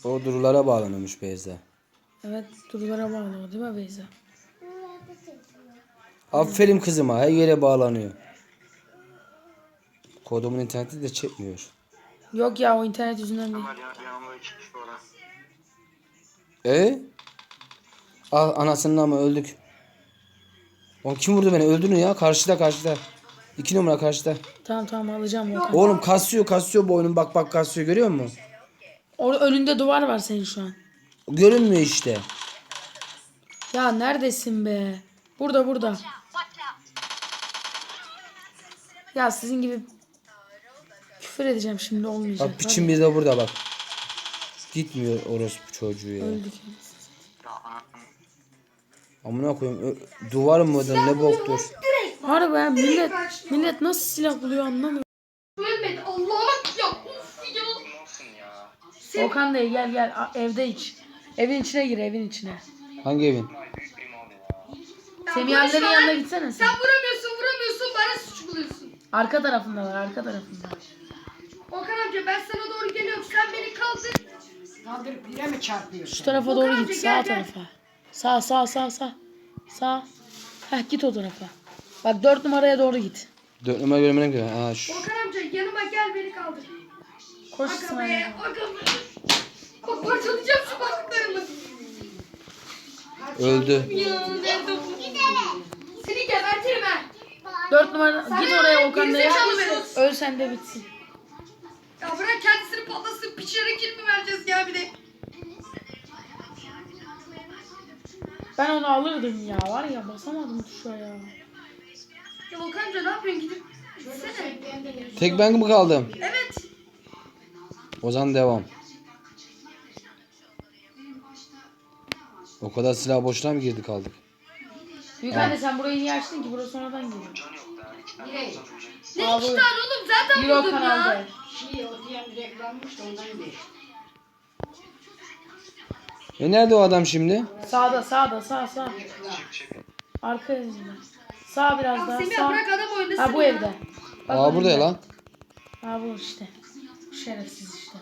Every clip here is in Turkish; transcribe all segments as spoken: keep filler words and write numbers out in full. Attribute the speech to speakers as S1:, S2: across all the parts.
S1: O durulara bağlanıyormuş Beyza.
S2: Evet, durulara bağlı o değil mi Beyza?
S1: Aferin kızıma, her yere bağlanıyor. Kodumun interneti de çekmiyor.
S2: Yok ya, o internet yüzünden değil.
S1: E? Ah, anasının ama öldük. Oğlum kim vurdu beni? Öldürün ya. Karşıda karşıda. İki numara karşıda.
S2: Tamam tamam, alacağım Volkan.
S1: Oğlum kasıyor kasıyor bu oyunun. Bak bak kasıyor, görüyor musun?
S2: Orada önünde duvar var senin şu an.
S1: Görünmüyor işte.
S2: Ya neredesin be? Burada burada. Ya sizin gibi küfür edeceğim şimdi, olmayacak.
S1: Bak piçin bir de burada bak. Gitmiyor orospu çocuğu ya.
S2: Öldük.
S1: Amına koyayım. Ö- Duvar mıdır ne boktur.
S2: Harbi ya, millet millet nasıl silah buluyor anlamıyorum.
S3: Ölmedi Allah'ım ya. Uf ya.
S2: Volkan Bey gel gel, A- evde iç. Evin içine gir, evin içine.
S1: Hangi evin?
S2: Semih annenin yanına gitsene sen.
S3: Sen vuramıyorsun vuramıyorsun bana suç buluyorsun.
S2: Arka tarafındalar, arka tarafında.
S3: Okan amca ben sana doğru geliyorum sen beni kaldır.
S4: Kaldırıp bire mi çarpıyorsun?
S2: Şu tarafa
S3: Volkan
S2: doğru
S3: amca,
S2: git,
S3: gel,
S2: sağ
S3: gel.
S2: tarafa. Sağ sağ sağ sağ. Sağ. Heh, git o tarafa. Bak dört numaraya doğru git.
S1: Dört numara görmene göre. Ha şu.
S3: Okan amca yanıma gel beni kaldır.
S2: Koş
S3: Aga be
S2: İsmail.
S3: aga be. Bak parçalayacağım şu bacaklarımı.
S1: Öldü.
S3: Ya nerede bu? Seni gebertirim ha.
S2: Dört numara
S3: Sana
S2: git oraya Volkan Bey'e.
S3: gerizekalı Berat.
S2: Öl sen de bitsin.
S3: Ya bırak kendisini patlasın piçlere kill mi vereceğiz ya bir de.
S2: Ben onu alırdım ya, var ya basamadım tuşa ya.
S3: Ya Okan amca ne yapıyorsun gidip gitsene.
S1: Tek ben mi kaldım?
S3: Evet.
S1: O zaman devam. O kadar silah boşuna mı girdi kaldık?
S2: Büyük anne sen burayı niye açtın ki? Burası sonradan geliyor.
S4: Bire.
S3: Ne
S2: Abi.
S3: iki tane oğlum zaten
S2: Euro
S3: buldum
S2: kanalda.
S3: ya.
S4: Şey ortaya bir reklammış da ondan geçti.
S1: E nerede o adam şimdi?
S2: Sağda sağda sağ sağ. Arka evinde. Sağ biraz
S3: Ya
S2: daha
S3: Semih
S2: sağ.
S3: bırak adam oynasın
S2: Ha bu
S3: ya.
S2: evde. Bak
S1: Aa burada ya
S2: önünde.
S1: lan.
S2: Ha bu işte. Bu şerefsiz işte.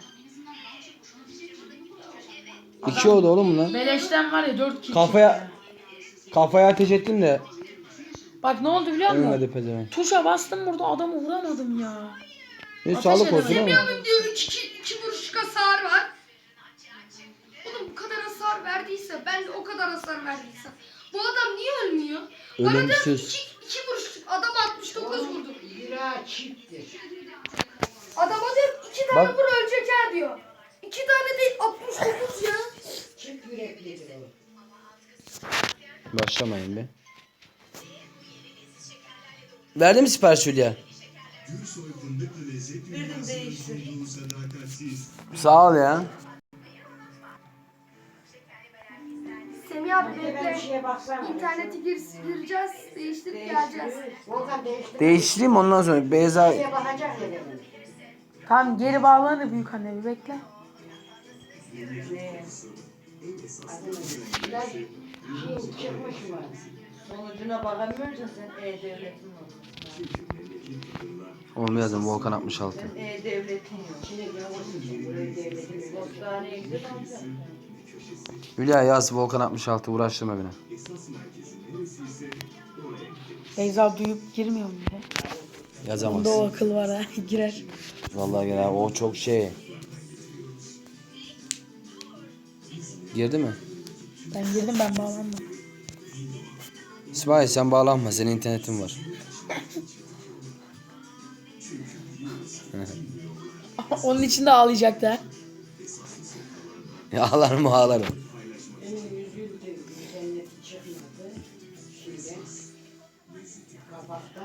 S1: İki oldu oğlum bunlar.
S2: Beleşten var ya dört kişi.
S1: Kafaya kafaya ateş ettim de
S2: Bak ne oldu biliyor musun?
S1: ölmedi pezevenk.
S2: Tuşa bastım, burada adamı vuramadım ya.
S1: Ne
S2: Ateş
S1: sağlık olsun
S2: edemedim.
S1: ama.
S3: Semih diyor üç iki, iki vuruşluk hasar var. Oğlum bu kadar hasar verdiyse ben de o kadar hasar verdiysem. Bu adam niye ölmüyor? Bana diyor ki
S1: Ölümsüz.
S3: iki, iki vuruşluk adam altmış dokuz vurdu.
S4: Lira çifttir.
S3: Adama diyor iki tane
S1: Bak.
S3: vur ölecek ha diyor. İki tane değil altmış dokuz ya.
S4: Çift yüreklidir o.
S1: Başlamayın be. Verdi mi sipariş Hülya?
S5: Verdim değiştir.
S1: Sağ ol ya.
S3: Semih abi
S4: Ben bir
S3: bekle.
S4: şeye baksana.
S3: İnternete gir, gireceğiz, değiştirip geleceğiz.
S4: Volkan değiştir.
S1: Değiştireyim ondan sonra. Beyza
S4: Şeye bakacak ya dedim.
S2: Tamam geri bağlanır büyük anne, bir bekle.
S4: Biraz şey çıkmış mı?
S5: Sonucuna bakamıyorsun sen E-Devlet'in var.
S1: Onu yazdım Volkan altmış altı.
S5: Sen E-Devlet'in yok.
S4: Şimdi ne olsun? Buraya devletin yok.
S5: Postaneye gidip alacaksın.
S1: Hülya yaz Volkan altmış altı, uğraştırma beni.
S2: Beyza duyup girmiyor mu bile?
S1: Yazamaz.
S2: Bunda o akıl var ha, girer.
S1: Vallahi gel abi, o çok şey. Girdi mi?
S2: Ben girdim, ben bağlandım.
S1: İsmail sen bağlanma, senin internetin var.
S2: Onun için de ağlayacaktı ha.
S1: Ya ağlarım ağlarım.
S4: Benim yüzüm de interneti çıkmadı. Şeyden. Kabaktan.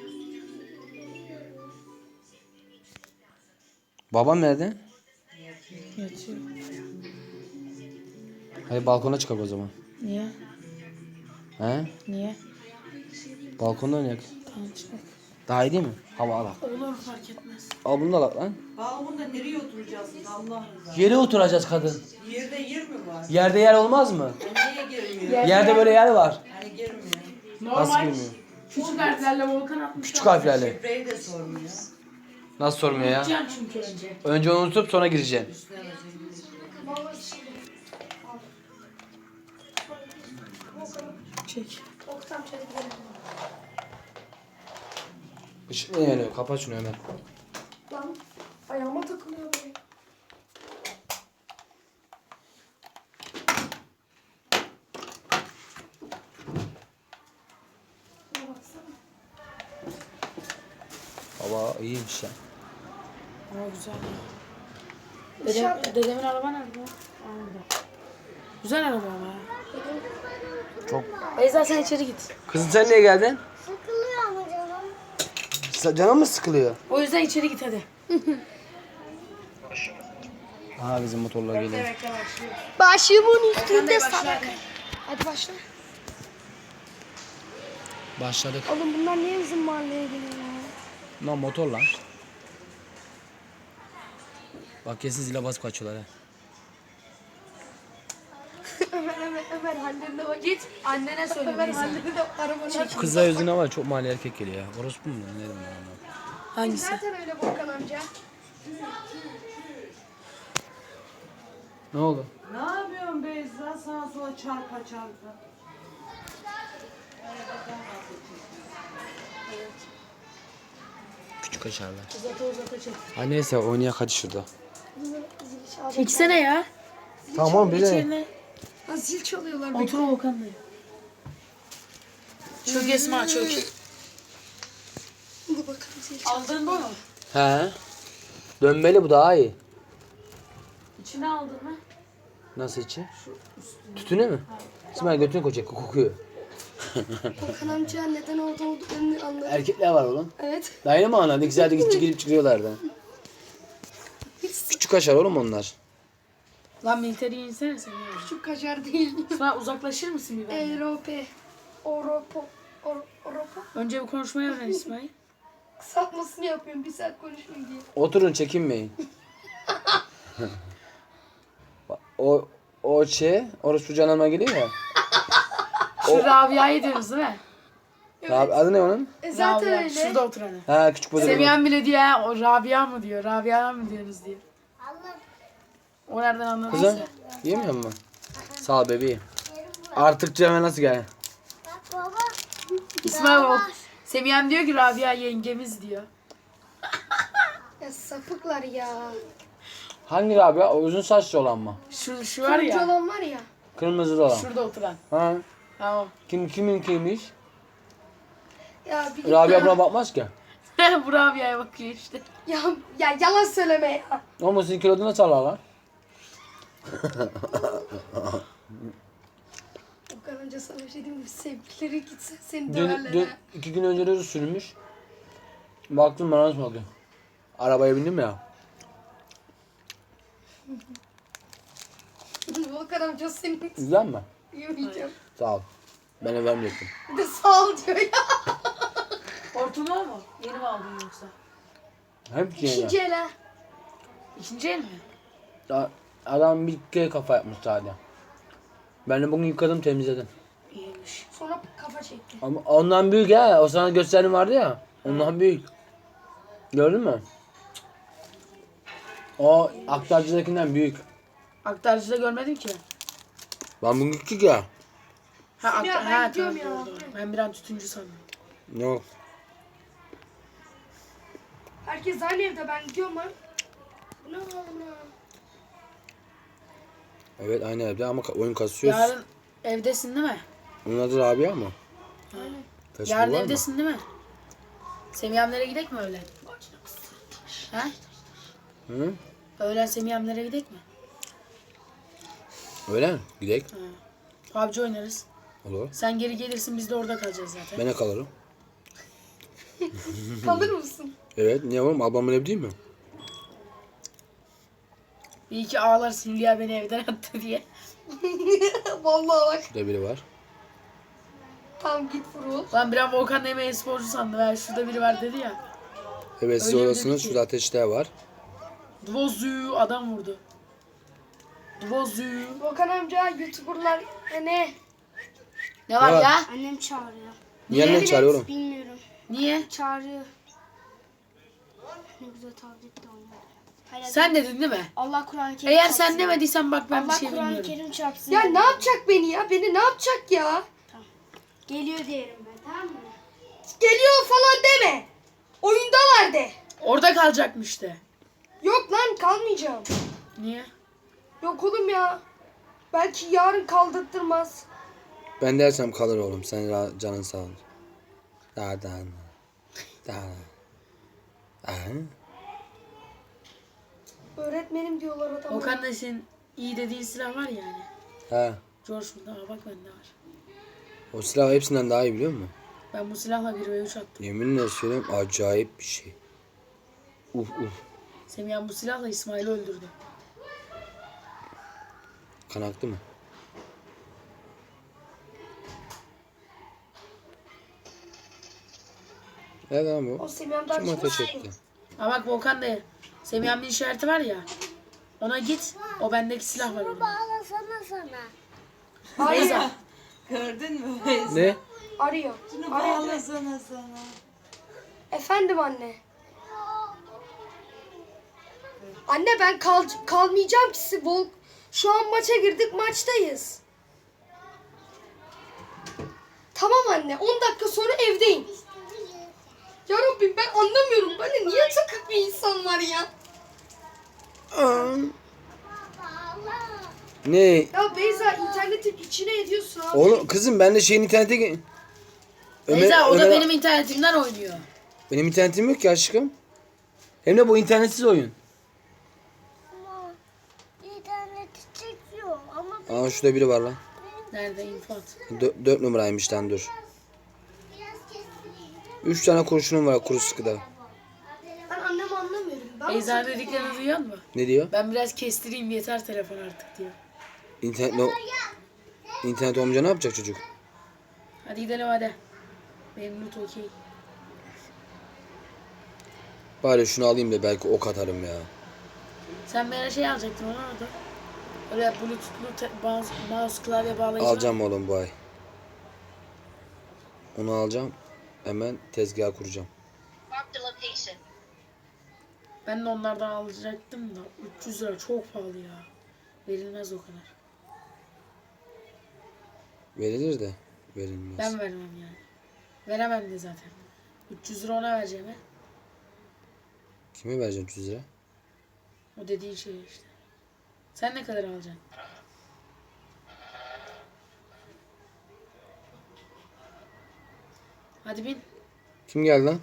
S1: Babam nerede?
S2: Yatıyor.
S1: Hadi balkona çıkak o zaman.
S2: Niye?
S1: He?
S2: Niye?
S1: Balkonda oynayak.
S2: Tamam çıkar.
S1: Daha iyi değil mi? Hava al.
S2: Olur, fark etmez.
S1: Al bunu da al lan.
S5: Balkonda nereye oturacaksın Allah rızası?
S1: Yere oturacağız kadın.
S5: Yerde yer mi var?
S1: Yerde yer olmaz mı?
S5: Niye girmiyor?
S1: Yerde böyle yer var.
S5: Hani girmiyor.
S1: Nasıl
S2: Normal.
S1: girmiyor?
S2: Küçük harflerle Volkan atmış.
S1: Küçük harflerle.
S5: Şifreyi de sormuyor.
S1: Nasıl sormuyor ya?
S2: Can çünkü önce.
S1: Önce onu unutup sonra gireceksin.
S5: Üstüne basıyor.
S3: Baba
S2: Çek.
S3: Oktam çelik verelim.
S1: Işık ne yanıyor? Kapat şunu hemen.
S3: Lan ayağıma takılıyor be. Şuna baksana.
S1: Hava iyiymiş ya.
S2: Ama güzel.
S3: Dışarıda.
S2: Dedem, dedemin araba nerede? Orada. Güzel araba ama ya.
S1: Çok.
S2: Beyza sen içeri git.
S1: Kızım sen niye geldin?
S6: Sıkılıyor ama canım.
S1: Sa- Canın mı sıkılıyor?
S2: O yüzden içeri git hadi.
S1: Ha bizim motorlar geliyor.
S2: Bekle başlıyor.
S3: Başımın
S2: Sen
S3: üstünde
S2: de
S3: salak.
S2: başla.
S3: Hadi başla.
S1: Başladık.
S3: Oğlum bunlar niye bizim mahalleye geliyor ya?
S1: Lan motor lan. Bak kesin zile basıp kaçıyorlar ha.
S3: Ömer Ömer Ömer hallerine bak.
S2: Git annene söyle
S3: Ömer
S2: Beyza.
S3: hallerine de arabana.
S1: Kızlar yüzüne var çok mahalle erkek geliyor ya. Orospu mu? Ne dedim ben ona?
S2: Hangisi?
S3: Zaten öyle Volkan amca.
S1: Ne oldu?
S5: Ne yapıyorsun Beyza? Sağa sola çarpa çarpa.
S1: Küçük kaşarlar.
S2: Uzata uzata çek.
S1: Ha neyse oynayak hadi şurada.
S2: Çeksene ya.
S1: Tamam bir de.
S2: İçerine.
S3: Ha, zil çalıyorlar.
S2: Otur Volkan Bey. Çök Esma çök.
S3: Dur bakalım zil çalıyor.
S2: Aldın mı onu?
S1: He. Dönmeli bu daha iyi.
S2: İçine aldın mı?
S1: Nasıl içi? Tütüne mi? İsmail götünü koyacak kokuyor.
S3: Volkan amca neden orada olduklarını anladım.
S1: Erkekler var oğlum.
S3: Evet.
S1: Daha yeni mi anladın? İkisi de gidip girip çıkıyorlardı. Küçük kaşar oğlum onlar.
S2: Lan militeri insene sen ya.
S3: Şu kaşar değil.
S2: Sonra uzaklaşır mısın bir benden?
S3: Europe. Oropo. Or, Oropo.
S2: Önce bir konuşmayı öğren İsmail.
S3: Kısaltmasını yapıyorum bir saat konuşmayayım diye.
S1: Oturun çekinmeyin. o o şey orospu canıma geliyor ya.
S2: Şu Rabia'yı diyoruz değil mi?
S1: Abi, adı ne onun?
S3: E zaten
S2: Rabia.
S3: öyle.
S2: Şurada oturanı.
S1: Ha küçük bodur.
S2: Seviyen bile diyor ha, o Rabia mı diyor, Rabia mı diyorsunuz diyor. O nereden anladıysa.
S1: Kızım yemiyor musun? Sağ ol bebeğim. Artık Cem'e nasıl gel?
S6: Bak baba.
S2: İsmail bak. Semiyen diyor ki Rabia yengemiz diyor.
S3: Ya sapıklar ya.
S1: Hangi abi ya? O uzun saçlı olan mı?
S2: Şu, şu var
S3: Turuncu
S2: ya,
S3: olan var ya.
S1: Kırmızı olan.
S2: şurada oturan.
S1: Ha?
S2: Tamam.
S1: Kim kimin kimmiş?
S3: Ya bir
S1: Rabia buna bakmaz ki.
S2: Bu Rabia'ya bakıyor işte.
S3: Ya, ya yalan söyleme ya.
S1: Ama sizin kilodu nasıl alırlar?
S3: Volkan amca sana bir şey diyeyim mi? Sevgilileri gitse seni
S1: Dün,
S3: döverler
S1: dün
S3: ha.
S1: iki gün önce de sürmüş. Baktım bana nasıl bakıyor. Arabaya bindim ya.
S3: Volkan amca senin
S1: Güzel mi?
S3: yemeyeceğim.
S1: Sağ ol. Ben de vermeyecektim.
S3: Bir de sağ ol diyor ya.
S2: Hortumu o mu? Yeni mi aldın yoksa?
S1: Hep yeni.
S3: İkinci el ha.
S2: İkinci el mi?
S1: Ya, adam bir kere kafa yapmış sadece. Ben de bugün yıkadım temizledim.
S2: İyiymiş.
S3: Sonra kafa çekti.
S1: Ama ondan büyük ha. O sana gösterdiğim vardı ya. Ondan büyük. Gördün mü? O aktarcıdakinden büyük.
S2: Aktarcıda görmedim ki.
S1: Ben bugün küçük ya.
S2: Ha, ak-
S3: Ya ben
S2: ha
S3: gidiyorum
S2: tamam,
S3: ya.
S2: doğru, doğru. Ben bir an tütüncü sandım.
S1: Yok.
S3: Herkes aynı evde ben gidiyorum lan. Bu ne oğlum ya?
S1: Evet aynı evde ama ka- oyun kasıyoruz.
S2: Yarın evdesin değil mi?
S1: Onun adı Rabia mı?
S3: Aynen.
S1: Facebook
S2: Yarın
S1: var mı?
S2: evdesin değil mi? Semiyemlere gidek mi öğlen? Ha?
S1: Hı?
S2: Öğlen Semiyemlere gidek mi?
S1: Öyle mi? Gidek.
S2: P U B G oynarız.
S1: Olur.
S2: Sen geri gelirsin biz de orada kalacağız zaten.
S1: Ben de kalırım.
S3: Kalır mısın?
S1: Evet. Niye oğlum? Ablamın evi değil mi?
S2: Bir iki ağlarsın Hülya beni evden attı diye.
S3: Vallahi bak.
S1: Şurada biri var.
S3: Tamam git vurul.
S2: Lan bir an Volkan Eme sporcu sandım. Ha, şurada biri var dedi ya.
S1: Evet siz
S2: Öyle mi
S1: oradasınız.
S2: dedi ki?
S1: Şurada ateşler var.
S2: Dvozu adam vurdu. Dvozu.
S3: Volkan amca YouTuber'lar e, ne?
S2: Ne var
S1: Ne var?
S2: ya?
S6: Annem çağırıyor.
S1: Niye annen çağırıyor oğlum?
S6: Bilmiyorum.
S2: Niye?
S6: Çağırıyor. Ne güzel tablet de olmadı. Hayır,
S2: Sen dedin değil mi?
S6: Allah Kur'an-ı Kerim
S2: Eğer
S6: çarpsın.
S2: sen demediysen bak ben bir
S6: Allah
S2: şey
S6: Kur'an-ı
S2: bilmiyorum.
S6: Kerim çarpsın.
S3: Ya ne yapacak beni ya? Beni ne yapacak ya?
S6: Geliyor diyelim ben, tamam mı?
S3: Geliyor falan deme. Oyundalar de.
S2: Orada kalacakmış de.
S3: Yok lan kalmayacağım.
S2: Niye?
S3: Yok oğlum ya. Belki yarın kaldırtmaz.
S1: Ben dersem kalır oğlum. Sen ra- canın sağ ol. Daha daha. Daha. Daha.
S3: Öğretmenim diyorlar adama.
S2: Okan da senin iyi dediğin silah var ya yani.
S1: Ha.
S2: George burada. Aa, bak bende var.
S1: O silah hepsinden daha iyi biliyor musun?
S2: Ben bu silahla bir ve üç attım.
S1: Yeminle söyleyeyim acayip bir şey. Uf uf.
S2: Semih bu silahla İsmail'i öldürdü.
S1: Kan aktı mı? Evet lan
S3: O
S1: bu.
S3: Semih'den
S1: Kim ateş etti?
S2: Aa bak Volkan da Semih abinin işareti var ya. Ona git. O bendeki silah var orada.
S6: Bağlasana sana.
S3: Hayır.
S5: Gördün mü?
S1: Ne?
S3: Arıyor.
S5: Şunu
S3: Arıyor.
S5: bağlasana sana.
S3: Efendim anne. Anne ben kal kalmayacağım ki. siz Vol Şu an maça girdik, maçtayız. Tamam anne, on dakika sonra evdeyim. Ya Rabbim ben anlamıyorum. Böyle niye takık bir insan var ya?
S1: Ne?
S3: Ya Beyza internetin içine ediyorsun abi.
S1: Oğlum kızım ben de şeyin internete... ge- Ömer-
S2: Beyza o da
S1: Ömer-
S2: benim internetimden oynuyor.
S1: Benim internetim yok ki aşkım. Hem de bu internetsiz oyun.
S6: Ama interneti çekiyor ama
S1: Aa şurada biri var lan.
S2: Nerede infat?
S1: Dö- dört numaraymış lan dur.
S6: biraz kestireyim.
S1: Üç tane kurşunum var kuru sıkıda.
S3: Ben annemi anlamıyorum. Ben
S2: Beyza dediklerini duyuyor musun?
S1: Ne diyor?
S2: Ben biraz kestireyim yeter telefon artık diyor.
S1: İnternet no... İnternet olmayınca ne yapacak çocuk?
S2: Hadi gidelim hadi. Benim loot okey.
S1: Bari şunu alayım da belki ok atarım ya.
S2: Sen bana şey alacaktın ona orada. Öyle bluetoothlu te- mouse, mouse klavye bağlayıcı.
S1: Alacağım oğlum bu ay. Onu alacağım. Hemen tezgah kuracağım.
S2: Ben de onlardan alacaktım da üç yüz lira çok pahalı ya. Verilmez o kadar.
S1: Verilir de verilmez.
S2: Ben vermem yani. Veremem de zaten. üç yüz lira ona vereceğim he.
S1: Kime vereceğim üç yüz lira?
S2: O dediğin şey işte. Sen ne kadar alacaksın? Hadi bin.
S1: Kim geldi lan?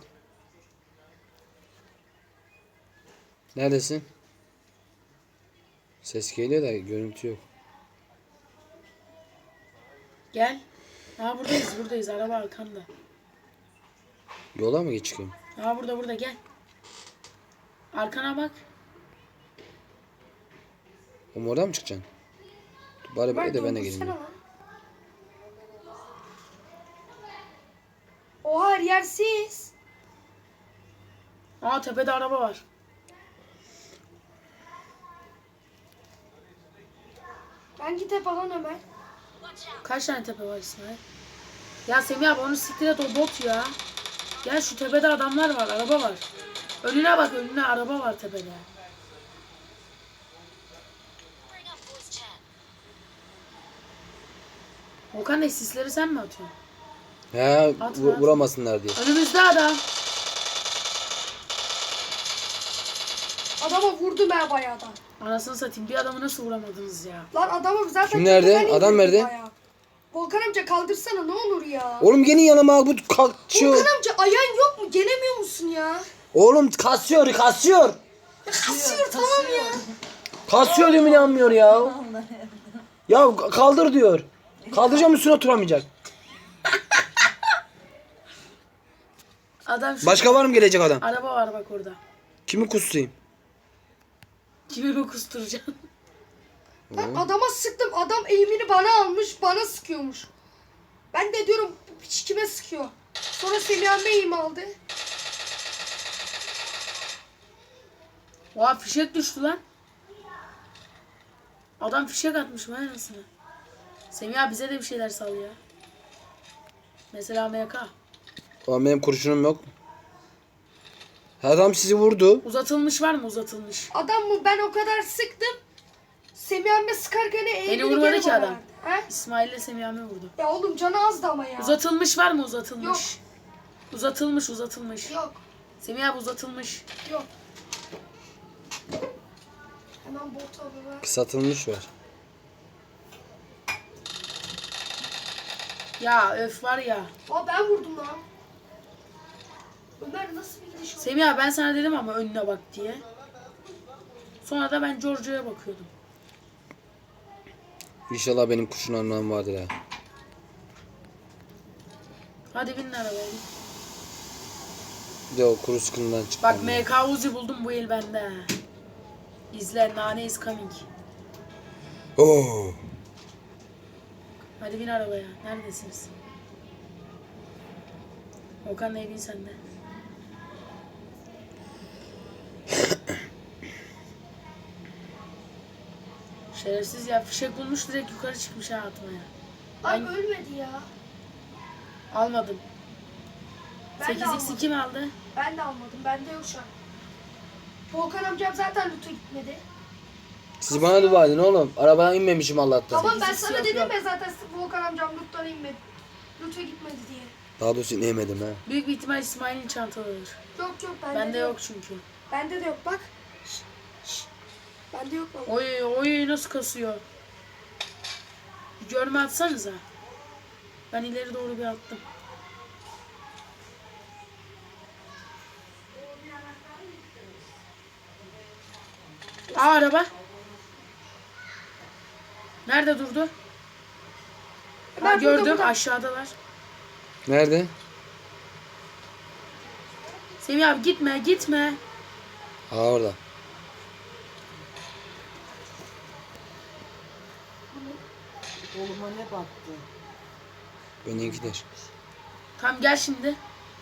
S1: Neredesin? Ses geliyor da görüntü yok.
S2: Gel. Aa buradayız buradayız. Araba arkanda.
S1: Yola mı geç çıkayım?
S2: Aa burada burada gel. Arkana bak.
S1: Oğlum oradan mı çıkacaksın? Dur, bari böyle de ben de geleyim.
S3: doldursana lan. Oha her yersiz.
S2: Aa tepede araba var.
S3: Ben git hep alan Ömer.
S2: Kaç tane tepe var İsmail? Ya Semih abi onu siktir et o bot ya. Gel şu tepede adamlar var, araba var. Önüne bak önüne araba var tepede. Okan ne sisleri sen mi atıyorsun?
S1: He
S2: At,
S1: vu-
S2: at.
S1: vuramasınlar diye.
S2: Önümüzde adam.
S3: Adama vurdum ben bayağı da.
S2: Anasını satayım bir adamı nasıl vuramadınız ya?
S3: Lan adamı zaten...
S1: Kim nerede?
S3: tepeden
S1: Adam
S3: indirdim
S1: nerede?
S3: bayağı. Volkan amca kaldırsana ne olur ya.
S1: Oğlum gelin yanıma al bu kalkıyor.
S3: Volkan amca ayağın yok mu? Gelemiyor musun ya?
S1: Oğlum kasıyor kasıyor.
S3: Ya kasıyor tamam ya.
S1: Kasıyor diyorum inanmıyor ya. Ya kaldır diyor. Kaldıracağım üstüne oturamayacak.
S2: Adam şu
S1: Başka var mı gelecek adam?
S2: araba var bak orada.
S1: Kimi kusayım?
S2: Kimi mi kusturacaksın?
S3: Ben adama sıktım. Adam eğimini bana almış. Bana sıkıyormuş. Ben de diyorum bu piç kime sıkıyor? Sonra Semih abi eğim aldı.
S2: Oha fişek düştü lan. Adam fişek atmış mı anasını? Semih abi bize de bir şeyler sal ya. Mesela M K.
S1: Oğlum benim kurşunum yok. Adam sizi vurdu.
S2: Uzatılmış var mı uzatılmış?
S3: Adam mı ben o kadar sıktım. Semih abi sıkarken eğimini
S2: Beni vurmadı
S3: geri
S2: ki
S3: bana
S2: adam.
S3: verdi. He?
S2: İsmail ile Semih abi vurdu.
S3: Ya oğlum canı azdı ama ya.
S2: Uzatılmış var mı uzatılmış?
S3: Yok.
S2: Uzatılmış uzatılmış.
S3: Yok.
S2: Semih abi uzatılmış.
S3: Yok. Hemen bot alıyorlar.
S1: Kısaltılmış var.
S2: Ya öf var ya.
S3: Aa ben vurdum lan. Ömer nasıl bir gidiş oldu?
S2: Semih abi ben sana dedim ama önüne bak diye. Sonra da ben Giorgio'ya bakıyordum.
S1: İnşallah benim kuşun anlamı vardır ha.
S2: Hadi binin arabaya.
S1: Bir de o kuru sıkıntıdan çıktı.
S2: Bak M K Uzi buldum bu el bende. İzle, Nane is coming.
S1: Oo.
S2: Hadi bin arabaya. Neredesiniz? Okan ne bin sende? Şerefsiz ya, fişek bulmuş direkt yukarı çıkmış ha atmaya.
S3: Ay
S2: Ben
S3: ölmedi ya.
S2: almadım.
S3: Ben de
S2: sekiz x
S3: almadım.
S2: kim aldı?
S3: Ben de almadım. Bende yok şu an. Volkan amcam zaten loot'a gitmedi.
S1: Siz bana dua edin oğlum. Arabadan inmemişim Allah'tan.
S3: Tamam ben
S2: sekiz
S3: sana
S2: yok,
S3: dedim
S2: yok.
S3: ya zaten Volkan amcam loot'tan inmedi. Loot'a gitmedi diye.
S1: Daha doğrusu inemedim ha.
S2: Büyük bir ihtimal İsmail'in çantalıdır.
S3: Yok yok bende,
S2: Bende
S3: de
S2: yok çünkü.
S3: Bende de yok bak. Şş, şş. Bende yok baba.
S2: Oy oy nasıl kasıyor. Bir görme atsanıza. Ben ileri doğru bir attım. Aa araba. Nerede durdu? Ha,
S3: Ben burada,
S2: gördüm
S3: burada.
S2: aşağıdalar.
S1: Nerede?
S2: Semih abi gitme gitme.
S1: Ha orada.
S5: Koluma ne battı?
S1: Benimkiler.
S2: Tamam gel şimdi.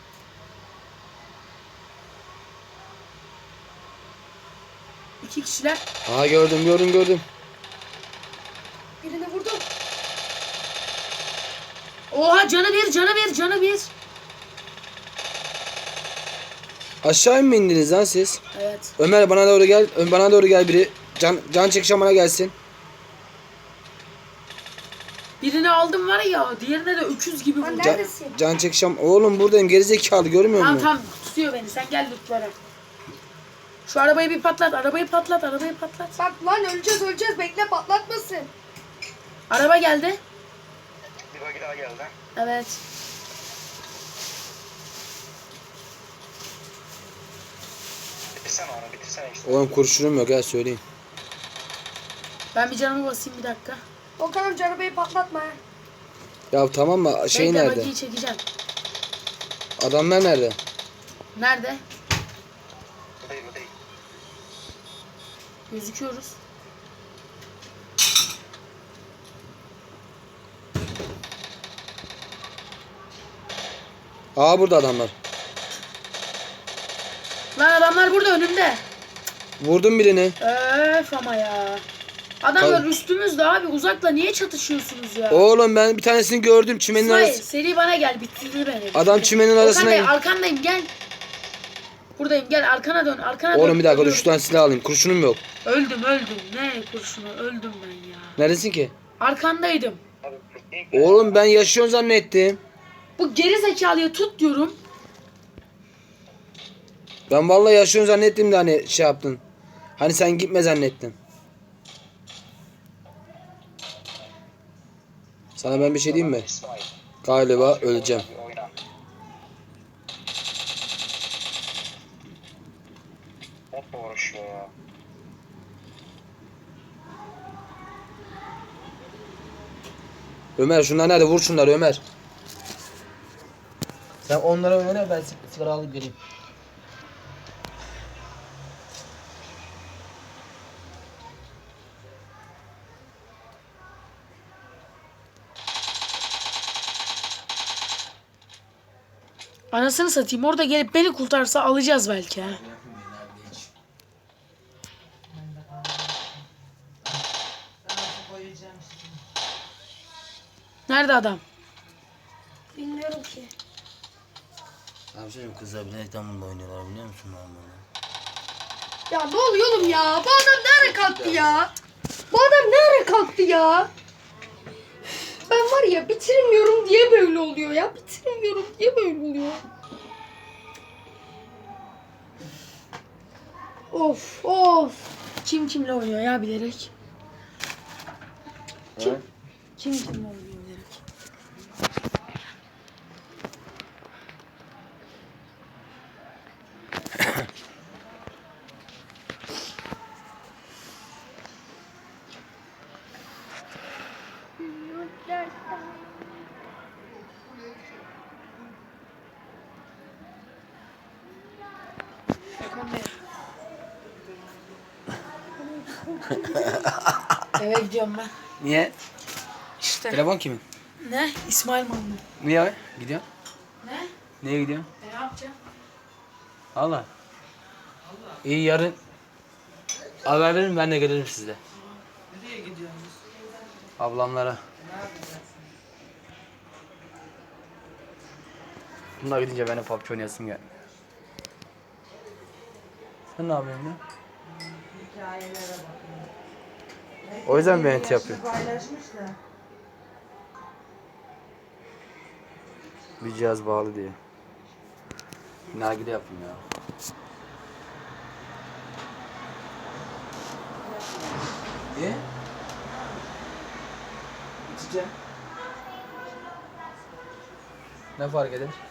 S2: İki kişiler.
S1: Aha gördüm gördüm gördüm.
S3: Birini vurdum.
S2: Oha canı bir canı bir canı bir.
S1: Aşağı mı indiniz lan siz?
S2: Evet.
S1: Ömer bana doğru gel. Ö- Bana doğru gel biri. Can, can çekişen bana gelsin.
S2: Birini aldım var ya diğerine de öküz gibi
S3: Lan
S2: vurdu.
S1: Can,
S3: neredesin?
S1: can çekişen. Oğlum buradayım gerizekalı görmüyor
S2: Tamam
S1: musun?
S2: tamam tutuyor beni sen gel lütfen. Şu arabayı bir patlat arabayı patlat arabayı patlat.
S3: Bak lan öleceğiz öleceğiz bekle patlatmasın.
S2: Araba geldi.
S7: Bir bagi daha geldi.
S2: Evet.
S7: Bitirsene onu, bitirsene işte.
S1: Oğlum kurşunum yok ha söyleyeyim.
S2: Ben bir canımı basayım bir dakika.
S3: Volkan amca arabayı patlatma ha.
S1: Ya tamam mı? Şey
S2: Bekle
S1: nerede?
S2: bagiyi çekeceğim.
S1: Adamlar nerede?
S2: Nerede?
S7: Bu değil, bu değil.
S2: Gözüküyoruz.
S1: Aa burada adamlar.
S2: Lan adamlar burada önümde.
S1: Vurdum birini.
S2: Öf ama ya. Adamlar
S1: Tabii.
S2: üstümüzde abi uzakla niye çatışıyorsunuz ya?
S1: Oğlum ben bir tanesini gördüm çimenin
S2: İsmail
S1: arası.
S2: seri bana gel bitirdi beni.
S1: Adam
S2: bitirdi.
S1: çimenin
S2: Okan
S1: arasına
S2: Bey,
S1: gir.
S2: arkandayım gel. Buradayım gel arkana dön arkana dön.
S1: Oğlum bir dakika dur
S2: Ölüyorum.
S1: şu tane silah alayım. Kurşunum yok.
S2: Öldüm öldüm. Ne kurşunu öldüm ben ya.
S1: Neredesin ki?
S2: Arkandaydım.
S7: Abi, ilk
S1: Oğlum ben yaşıyorsun zannettim.
S2: Bu geri zekalıyı tut diyorum.
S1: Ben vallahi yaşıyorsun zannettim de hani şey yaptın. Hani sen gitme zannettim. Sana ben bir şey diyeyim mi?
S7: İsmail.
S1: Galiba öleceğim.
S7: Bir oyna. Botla uğraşıyor ya.
S1: Ömer şunlar nerede? Vur şunları Ömer. Sen onlara oyna ben sigara alıp geleyim.
S2: Anasını satayım orada gelip beni kurtarsa alacağız belki ha.
S5: Sana koyacağım şimdi.
S2: Nerede adam?
S3: Bilmiyorum ki.
S1: Abi şey kızlar bilekten bununla oynuyorlar biliyor musun normalde?
S3: Ya ne oluyor oğlum ya? Bu adam ne ara kalktı ya? Bu adam ne ara kalktı ya? ben var ya bitiremiyorum diye böyle oluyor ya. Bitiremiyorum diye böyle oluyor. Of of.
S2: Kim kimle oynuyor ya bilerek?
S1: Kim?
S2: Kim kimle oynuyor bilerek? Eve gidiyorum ben.
S1: Niye?
S2: İşte.
S1: Telefon kimin?
S2: Ne? İsmail Mamlı.
S1: Niye gidiyorsun?
S2: Ne?
S1: Niye gidiyorsun?
S2: E, ne yapacağım?
S1: Allah. İyi yarın haber verin ben de gelirim sizle.
S5: Nereye gidiyorsunuz?
S1: Ablamlara. Bunlar gidince ben de P U B G oynayasım geldi. Sen ne yapıyorsun ya?
S5: Hikayelere bakın.
S1: O yüzden mi beni
S5: Yaşını
S1: yapıyor?
S5: paylaşmış da.
S1: Bir cihaz bağlı diye. Nargile yapın ya. Niye? İçeceğim. Ne fark eder?